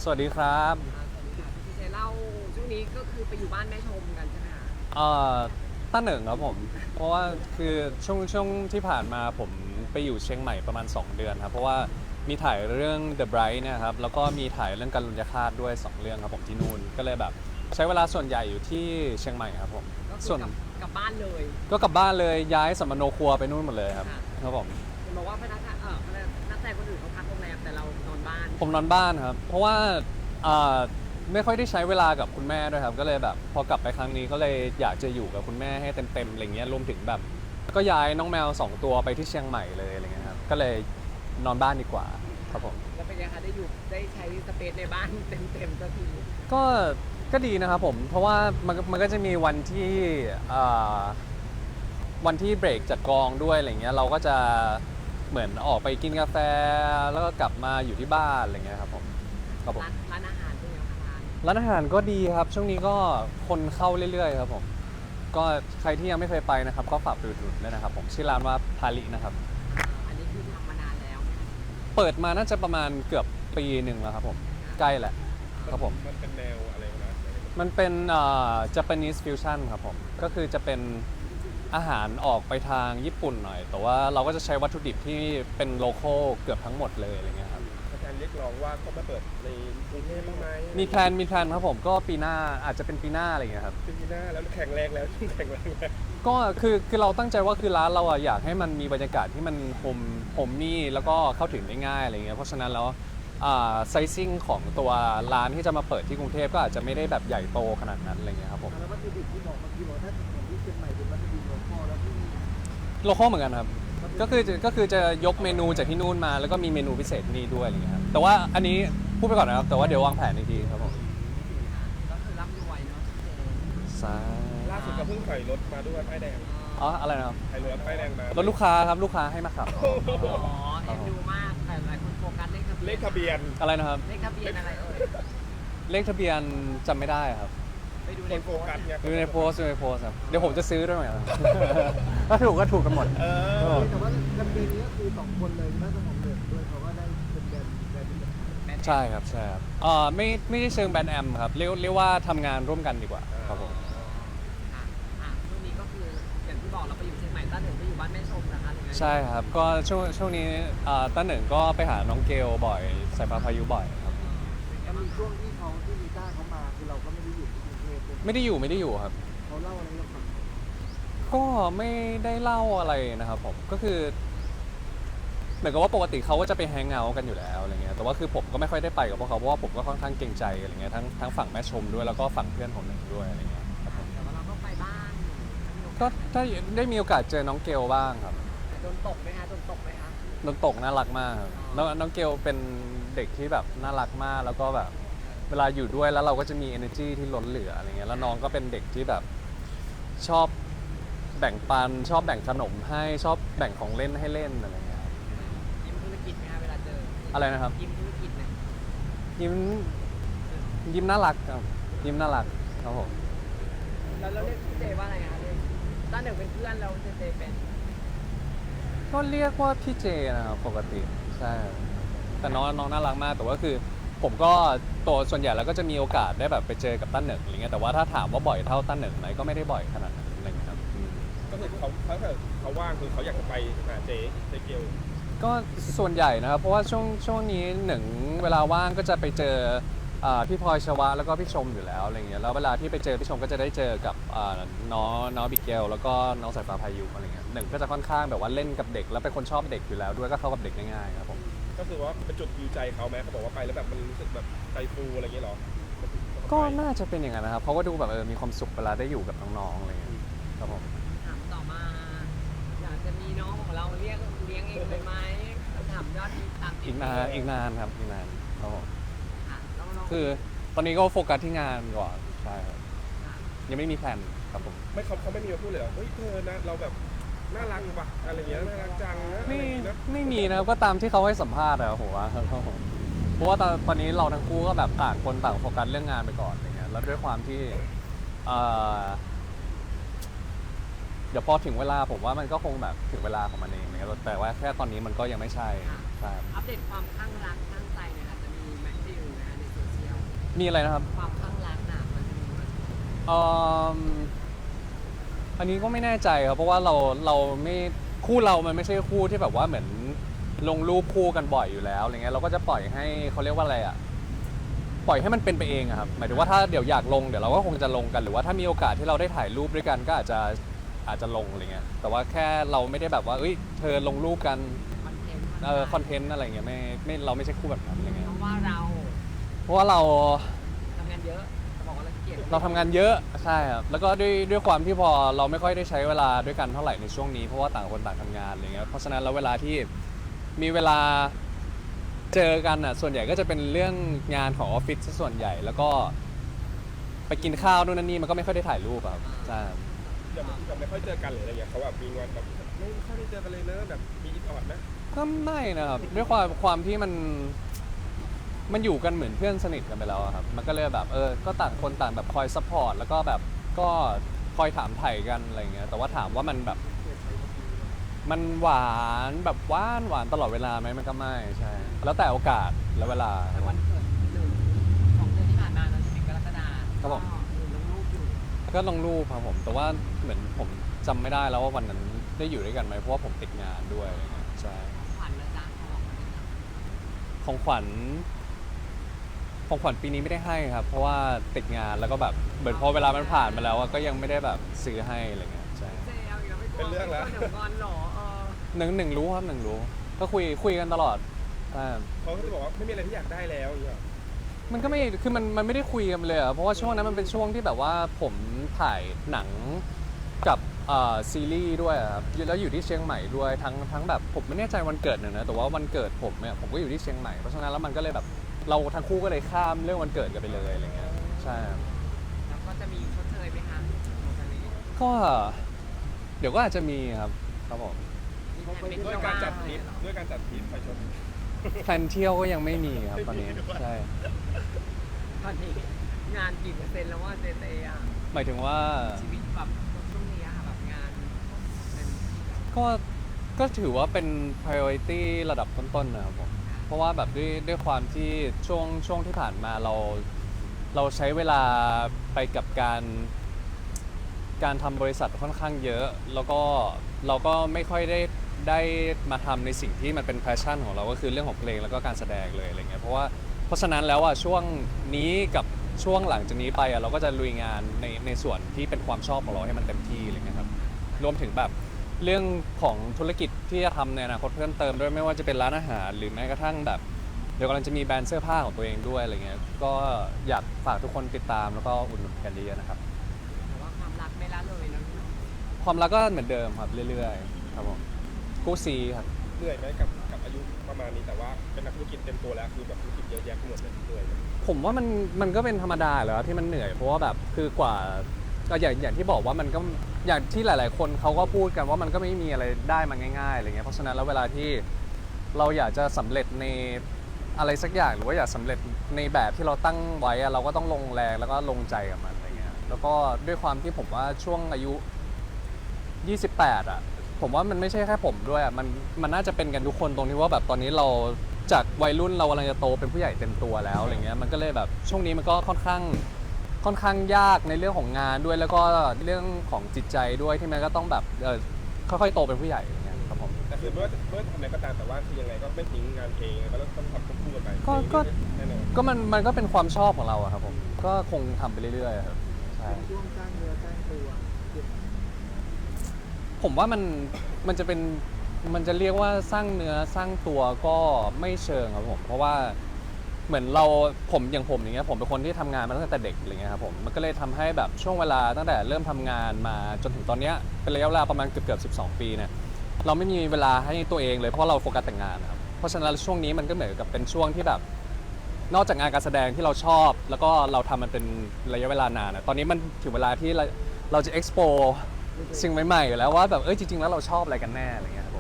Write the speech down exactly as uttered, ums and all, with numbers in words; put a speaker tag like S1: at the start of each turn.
S1: สวัสดีครับ
S2: อ่าสวัสดีค่ะพี่เจเล่าช่วงนี้ก็คือไปอยู่บ้านแม่ชมกันใช่ไหมคะ
S1: เอ่อต้าเหนึ่งครับผมเพราะว่าคือช่วงช่วงที่ผ่านมาผมไปอยู่เชียงใหม่ประมาณสองเดือนครับเพราะว่ามีถ่ายเรื่อง The Bright เนี่ยครับแล้วก็มีถ่ายเรื่องการลุญยฆาตด้วยสองเรื่องครับผมที่นู่นก็เลยแบบใช้เวลาส่วนใหญ่อยู่ที่เชียงใหม่ครับผม
S2: ก็คื
S1: ส่วน
S2: อกลับกลับบ้านเลย
S1: ก็กลับบ้านเลยย้ายสัมมโนครัวไปนู่นหมดเลยครับ
S2: ค่ะ
S1: ครับผม
S2: เห็นบอกว่าพนักงานเออพนักนักแสดงคนอื่นเขาพักโรงแรมแต่เรานอนบ้าน
S1: ผมนอนบ้านครับ เพราะว่าอ่าไม่ค่อยได้ใช้เวลากับคุณแม่ด้วยครับ ก็เลยแบบพอกลับไปครั้งนี้ก็เลยอยากจะอยู่กับคุณแม่ให้เต็มๆอะไรเงี้ยรวมถึงแบบก็ย้ายน้องแมวสองตัวไปที่เชียงใหม่เลยอะไรเงี้ยครับ ก็เลยนอนบ้านดีกว่าครับผม
S2: แล้วเป็นไงคะได้อยู่ได้ใช้สเปซในบ้านเต็มๆสักที
S1: ก็ก็ดีนะครับผม เพราะว่ามันมันก็จะมีวันที่อ่าวันที่เบรกจากกองด้วยอะไรเงี้ยเราก็จะเหมือนออกไปกินกาแฟแล้วก็กลับมาอยู่ที่บ้านอะไรเงี้ยครับผมครับผม
S2: ร้านร้านอาหารเป็นไงคะร้าน
S1: ร้านอาหารก็ดีครับช่วงนี้ก็คนเข้าเรื่อยๆครับผมก็ใครที่ยังไม่เคยไปนะครับก็ฝากไปอุดหนุนด้วยนะครับผมชื่อร้านว่าพาลินะครับ
S2: อ่าอันนี้คือทำมานานแล้วไหมคะ
S1: เปิดมาน่าจะประมาณเกือบปีหนึ่งแล้วครับผมใกล้แหละครับผม
S3: มันเป็นแนวอะไรนะ
S1: มันเป็นเอ่อ Japanese fusion ครับผมก็คือจะเป็นอาหารออกไปทางญี่ปุ่นหน่อย แต่ว่าเราก็จะใช้วัตถุดิบที่เป็นโลคอลเกือบทั้งหมดเลยอะไรเงี้ยครับ
S3: อาจารย์เรียกร้องว่าก็มาเปิดในกรุงเทพบ้างไหม
S1: มีแพลนมีแพลนครับผมก็ปีหน้าอาจจะเป็นปีหน้าอะไรเงี้ยครับ
S3: ปีหน้าแล้วแข็งแรงแล้วแข็งแรงแล้ว
S1: ก็คือคือเราตั้งใจว่าคือร้านเราอะอยากให้มันมีบรรยากาศที่มันโฮมโฮมมี่แล้วก็เข้าถึงได้ง่ายอะไรเงี้ยเพราะฉะนั้นแล้วไซซิ่งของตัวร้านที่จะมาเปิดที่กรุงเทพก็อาจจะไม่ได้แบบใหญ่โตขนาดนั้นอะไรเงี้ยครับผม
S4: แล้ววัตถุดิบที่บอกเมื่อกี้บอกถ้าเหมือนที่เชียงใหม่เป็นวัตถุดิบโลคอลแล้วที่
S1: โลคอลเหมือนกันครับก็คือจะก็คือจะยกเมนูจากที่นู่นมาแล้วก็มีเมนูพิเศษที่นี่ด้วยอะไรเงี้ยครับแต่ว่าอันนี้พูดไปก่อนนะครับแต่ว่าเดี๋ยววางแผนอีกทีครับผม
S2: ก็คือร่ำรวยเนาะพี่เจ
S1: สา
S3: ล่าสุดก็เพิ่งถอยรถมาด้วยป้ายแดง
S1: อ๋ออะไรนะครับ
S3: ถอยรถป้ายแดงมาร
S1: ถลูกค้าครับลูกค้าให้มาขับ
S2: อ๋อเอ็นดูมากแต่หลายคนโฟกัสเลขทะเบียน
S3: เลขทะเบียน
S1: อะไรนะครับ
S2: เลขทะเบียนอะไรเอ่ย
S1: เลขทะเบียนจำไม่ได้ครับ
S2: ไปดู
S3: ค
S2: ใน
S3: นโฟกัสไง
S1: ดูในโพสต์ดูในโพสต์ครับเดี๋ยวผมจะซื้อด้วยไหมครับ ถ้าถูกก็ถูกกันหมด
S3: เออ
S4: แต่ว่าแคมเปญนี้ก็คือสองคนเลยน่าจะของเดือดด้วยเขาก็ได้เป็นแบรนด์แบรนด์ที่แบบ
S2: แบน
S1: ใช่ครับใช่ครับเอ่อไม่ไม่ได้เชิงแบรนด์แอมครับเรียกเรียกว่าทำงานร่วมกันดีกว่าครับผม
S2: อ่ะอ่ะช่วงนี้ก็คืออย่างที่บอกเราไปอยู่เชียงใหม่ต้าเหนึ่งไปอยู่บ้านแม่ชมนะคะหรือไง
S1: ใช่ครับก็ช่วงช่วงนี้เอ่อต้าหนึ่งก็ไปหาน้องเกลบ่อยสายฟ้าพายุบ่อยครับ
S4: แล้วมีช่วงที่เขาที่มีต้าเขามาคือเราก็ไม่ได้อยู่ที่กรุงเทพเลย
S1: ไม่ได้อยู่ไม่ได้อยู่ครับ
S4: เขาเล่าอะไรให้เราฟัง
S1: ก็ไม่ได้เล่าอะไรนะครับผมก็คือเหมือนกับว่าปกติเขาก็จะไปแฮงเอาท์กันอยู่แล้วอะไรเงี้ยแต่ว่าคือผมก็ไม่ค่อยได้ไปกับพวกเขาเพราะว่าผมก็ค่อนข้างเกรงใจอะไรเงี้ยทั้งทั้งฝั่งแม่ชมด้วยแล้วก็ฝั่งเพื่อนของหนึ่งด้วยอะไรเงี้ยครับผม
S2: แต่ว่าเราก็ไปบ้าน
S1: ก็ถ้าได้มีโอกาสเจอน้องเกลบ้างครับ
S2: โดนตกไหมคะโดนตกไหมคะ
S1: น้องตกน่ารักมากครับน้องน้องเกลเป็นเด็กที่แบบน่ารักมากแล้วก็แบบเวลาอยู่ด้วยแล้วเราก็จะมี energy ที่ล้นเหลืออะไรเงี้ยแล้วน้องก็เป็นเด็กที่แบบชอบแบ่งปันชอบแบ่งขนมให้ชอบแบ่งของเล่นให้เล่นอะไรเงี้ยครับ
S2: ยิ้มธุรกิจไหมคะเวลาเจอ
S1: อะไรนะครับ
S2: ยิ้มธุรกิจไหม
S1: ยิ้มยิ้มน่ารักครับยิ้มน่ารักครับผม
S2: แล้วเราเรียกพี่เจว่าอะไรคะเรียกต้าเหนึ่งเป็นเพื่อนเราเจเจเป็น
S1: ก็เรียกว่าพี่เจนะครับปกติใช่แต่น้องน้องน่ารักมากแต่ว่าคือผมก็ตัวส่วนใหญ่แล้วก็จะมีโอกาสได้แบบไปเจอกับตั้นเหนึ่งอะไรเงี้ยแต่ว่าถ้าถามว่าบ่อยเท่าตั้นหนึ่งไหมก็ไม่ได้บ่อยขนาดนั้นอะไรเงี้ยครับอืม
S3: ก็คือเขาถ้าเกิดเขาว่างคือเขาอยากจะไปหาเจ๊เจ๊เกียว
S1: ก็ส่วนใหญ่นะครับเพราะว่าช่วงช่วงนี้หนึ่งเวลาว่างก็จะไปเจออ่าพี่พลอยชวะแล้วก็พี่ชมอยู่แล้วอะไรเงี้ยแล้วเวลาที่ไปเจอพี่ชมก็จะได้เจอกับอ่าน้องน้องบิเกลแล้วก็น้องสายฟ้าพายุอะไรเงี้ยหนึ่งก็จะค่อนข้างแบบว่าเล่นกับเด็กแล้วเป็นคนชอบเด็กอยู่แล้วด้วยก็เข้ากับเด็กได้ง่ายครับผม
S3: ก็คือว่าเป็นจุดยูใจเขาไหมเขาบอกว่าไปแล้วแบบมันรู้สึกแบบใจฟูอะไรอย่างเงี้ยหรอ
S1: ก็น่าจะเป็นอย่างนั้นนะครับเขาก็ดูแบบเออมีความสุขเวลาได้อยู่กับน้องๆอะไรเงี้ยครับผม
S2: ถามต่อมา อยากจะมีน้องของเราเรียกเลี้ยงเองเลยไหมถามยอดที่ตาม
S1: อีกนานอีกนานครับอีกนานครับผม
S2: ค่ะแล้วน้อง
S1: คือตอนนี้ก็โฟกัสที่งานก่อนใช่ครับ
S2: ค่ะ
S1: ยังไม่มีแพลนครับผม
S3: ไม่เขาเขาไม่มีมาพูดเลยเหรอเฮ้ยเธอนะเราแบบน่ารักว่ะอะไรอย่างเงี้ยน่ารักจังนะอะไร
S1: ไม่
S3: อย่างเงี้ยนะ
S1: ไม่มีนะครับก็ตามที่เขาให้สัมภาษณ์อะผมว่าครับผมเพราะว่าตอนตอนนี้เราทั้งคู่ก็แบบต่างคนต่างโฟกัสเรื่องงานไปก่อนอะไรเงี้ยแล้วด้วยความที่เอ่อเดี๋ยวพอถึงเวลาผมว่ามันก็คงแบบถึงเวลาของมันเองนะครับแต่ว่าแค่ตอนนี้มันก็ยังไม่ใช่ใช่
S2: อัปเดตความข้างรักข้างใจเนี่ยค่ะจะมีแมทธิวนะคะในโซเชียล
S1: มีอะไรนะครับ
S2: ความข้างรักน่ะมันจะมีไหม
S1: เอ่ออันนี้ก็ไม่แน่ใจครับเพราะว่าเราเราไม่คู่เรามันไม่ใช่คู่ที่แบบว่าเหมือนลงรูปคู่กันบ่อยอยู่แล้วอะไรเงี้ยเราก็จะปล่อยให้เขาเรียกว่าอะไรอ่ะปล่อยให้มันเป็นไปเองอะครับหมายถึงว่าถ้าเดี๋ยวอยากลงเดี๋ยวเราก็คงจะลงกันหรือว่าถ้ามีโอกาสที่เราได้ถ่ายรูปด้วยกันก็อาจจะอาจจะลงอะไรเงี้ยแต่ว่าแค่เราไม่ได้แบบว่าเอ้ยเธอลงรูปกัน
S2: คอนเทนต์
S1: เออคอนเทนต์อะไรเงี้ยไม่ไม่เราไม่ใช่คู่แบบนั้นอะไรเงี้ย
S2: เพราะว่าเรา
S1: เพราะว่าเรา
S2: ทำงานเยอะจะบอกว่าเราเกลียด
S1: เราทำงานเยอะใช่ครับแล้วก็ด้วยด้วยความที่พอเราไม่ค่อยได้ใช้เวลาด้วยกันเท่าไหร่ในช่วงนี้เพราะว่าต่างคนต่างทำงานอะไรเงี้ยเพราะฉะนั้นแล้วเวลาที่มีเวลาเจอกันอ่ะส่วนใหญ่ก็จะเป็นเรื่องงานของออฟฟิศซะส่วนใหญ่ แล้วก็ไปกินข้าวนู่นนั่นนี่มันก็ไม่ค่อยได้ถ่ายรูปอะครับใช่ครับ
S3: อย่างที่แบบไม่ค่อยเจอกันหรืออะไรเงี้ยเขาแบบมีงอนแบบไม่ค่อยได้เจอกันเลยเนอะแบบมีอิดออดนะ
S1: ก็ไม่นะครับด้วยความความที่มันมันอยู่กันเหมือนเพื่อนสนิทกันไปแล้วอะครับมันก็เลยแบบเออก็ต่างคนต่างแบบคอยซัพพอร์ตแล้วก็แบบก็คอยถามไถ่กันอะไรเงี้ยแต่ว่าถามว่ามันแบบ มันหวานแบบหวานหวานตลอดเวลาไหมมันก็ไม่ใช่ แล้วแต่โอกาสและเวลาค
S2: แต่
S1: รับผ
S2: วัน
S1: ม
S2: เกิดหนึ่งสองเดือนที่ผ่านมาเราจะเป็นกรกฎา
S1: ครับผม
S2: ก็หนึ่งลงรูปอยู่
S1: ก็ลงรูปครับผม แต่ว่าเหมือนผมจำไม่ได้แล้วว่าวันนั้นได้อยู่ด้วยกันไหมเพราะว่าผมติดงานด้วยอะไรเงี้ยใช่
S2: ขวัญนะจ๊ะเขาบอกมาเลยจ้ะ
S1: ของขวัญของขวัญปีนี้ไม่ได้ให้ครับ เพราะว่าติดงานแล้วก็แบบเหมือนพอเวลามันผ่านมาแล้วอะก็ยังไม่ได้แบบซื้อให้อะไรเงี้ยใช่
S2: เจเอาอีกแล้วไม่กลัว
S3: เป็นเรื่องแล้ว
S2: ไม่กลัวเดี๋ยวงอนเหรอเออ
S1: หนึ่งหนึ่งรู้ครับหนึ่งรู้ ก็คุยคุยกันตลอดใช่
S3: เขาก็จะบอกว่าไม่มีอะไรที่อยากได้แล้วอย่างเงี้ย
S1: มันก็ไม่ คือมันมันไม่ได้คุยกันเลยอะเพราะว่าช่วงนั้นมันเป็นช่วงที่แบบว่าผมถ่ายหนังกับเอ่อซีรีส์ด้วยอะครับแล้วอยู่ที่เชียงใหม่ด้วยทั้งทั้งแบบผมไม่แน่ใจวันเกิดเนี่ยนะแต่ว่าวันเกิดผมเนี่ยผมก็อยู่ที่เชียงใหม่เพราะฉะนั้นแล้วมันก็เลยแบบเราทั้งคู่ก็เลยข้ามเรื่องวันเกิดกันไปเลยอะไรเงี้ยใช่
S2: แล้วก็จะมีชดเชยไหมคะโมทาลี
S1: ก็เดี๋ยวก็อาจจะมีครับครับผม
S2: มีแผนไป
S3: ด้
S2: เที่
S3: วย
S2: ยว
S3: การ
S2: บ้าง
S3: จัดท
S2: เล
S3: ริ
S2: ย
S3: ป
S2: เหรอ
S3: ด้วยการจัดทริปไปชม
S1: แพลนเที่ยวก็ยังไม่มีครับตอนนี้ใช่
S2: ตอนนี้งานกี่เปอร์เซ็นต์แล้วว่าเจเจอ่ะ
S1: หมายถึงว่า
S2: ชีวิตแบบช่วงนี้อะค่ะแบบงานเป็น
S1: ก็ก็ถือว่าเป็น priority ระดับต้นๆนะครับผม เพราะว่าแบบด้วยด้วยความที่ช่วงช่วงที่ผ่านมาเราเราใช้เวลาไปกับการการทำบริษัทค่อนข้างเยอะ แล้วก็เราก็ไม่ค่อยได้ได้มาทำในสิ่งที่มันเป็นแพชชั่นของเราก็คือเรื่องของเพลงแล้วก็การแสดงเลยอะไรเงี้ยเพราะว่าเพราะฉะนั้นแล้วอ่ะช่วงนี้กับช่วงหลังจากนี้ไปอ่ะเราก็จะลุยงานในในส่วนที่เป็นความชอบของเราให้มันเต็มที่อะไรเงี้ยครับรวมถึงแบบเรื่องของธุรกิจที่จะทำในอนาคตเพิ่มเติมด้วยไม่ว่าจะเป็นร้านอาหารหรือแม้กระทั่งแบบ เดี๋ยวกำลังจะมีแบรนด์เสื้อผ้าของตัวเองด้วยอะไรเงี้ย ก็อยากฝากทุกคนติดตามแล้วก็อุดหนุนกันเยอะๆนะครับ
S2: แต่ว่าความรักไม่ละเลยนะพี่เนาะ
S1: ความรักก็เหมือนเดิมครับเรื่อยๆครับผมกู้ซีครับ
S3: เหนื่อยไหมกับกับอายุประมาณนี้แต่ว่าเป็นนักธุรกิจเต็มตัวแล้วคือแบบธุรกิจเยอะแยะไปหมดเลยเหนื่อยไหม
S1: ผมว่ามันมันก็เป็นธรรมดาแหล้วที่มันเหนื่อยเพราะว่าแบบคือกว่าก็อย่างอย่างที่บอกว่ามันก็อย่างที่หลาย ๆ คนเขาก็พูดกันว่ามันก็ไม่มีอะไรได้มาง่ายๆอะไรเงี้ยเพราะฉะนั้นแล้วเวลาที่เราอยากจะสำเร็จในอะไรสักอย่างหรือว่าอยากสำเร็จในแบบที่เราตั้งไว้อะเราก็ต้องลงแรงแล้วก็ลงใจกับมันอะไรเงี้ยแล้วก็ด้วยความที่ผมว่าช่วงอายุ ยี่สิบแปดอ่ะผมว่ามันไม่ใช่แค่ผมด้วยอ่ะมันมันน่าจะเป็นกันทุกคนตรงที่ว่าแบบตอนนี้เราจากวัยรุ่นเรากำลังจะโตเป็นผู้ใหญ่เต็มตัวแล้วอะไรเงี้ยมันก็เลยแบบช่วงนี้มันก็ค่อนข้างค่อนข้างยากในเรื่องของงานด้วยแล้วก็เรื่องของจิตใจด้วยที่มันก็ต้องแบบเออค่อยๆโตเป็นผู้ใหญ่อะไรเงี้ยครับผม
S3: แต่คือไม่ว่าจะไม่ว่าจะทำอะไรก็ตามแต่ว่าคือยังไงก็ไม่ทิ้งงานเพลงก็ต้องทำควบคู่กันไป
S1: ก็ก็
S3: แน่นอน
S1: ก็มันมันก็เป็นความชอบของเราอะครับผมก็คงทำไปเรื่อยๆครับใช่
S4: เป็นช่วงสร้างเนื้อสร้างตัวเก็บ
S1: ผมว่ามันมันจะเป็นมันจะเรียกว่าสร้างเนื้อสร้างตัวก็ไม่เชิงครับผมเพราะว่าเหมือนเราผมอย่างผมอย่างเงี้ยผมเป็นคนที่ทำงานมาตั้งแต่เด็กอะไรเงี้ยครับผมมันก็เลยทำให้แบบช่วงเวลาตั้งแต่เริ่มทำงานมาจนถึงตอนเนี้ยเป็นระยะเวลาประมาณเกือบเกือบสิบสองปีเนี่ยเราไม่มีเวลาให้ตัวเองเลยเพราะเราโฟกัสแต่งงานนะครับเพราะฉะนั้นช่วงนี้มันก็เหมือนกับเป็นช่วงที่แบบนอกจากงานการแสดงที่เราชอบ แล้วก็เราทำมันเป็นระยะเวลานานอะตอนนี้มันถึงเวลาที่เราเราจะ explore สิ่งใหม่ๆอยู่แล้วว่าแบบเอ้ยจริงๆแล้วเราชอบอะไรกันแน่อะไรเงี้ยครับ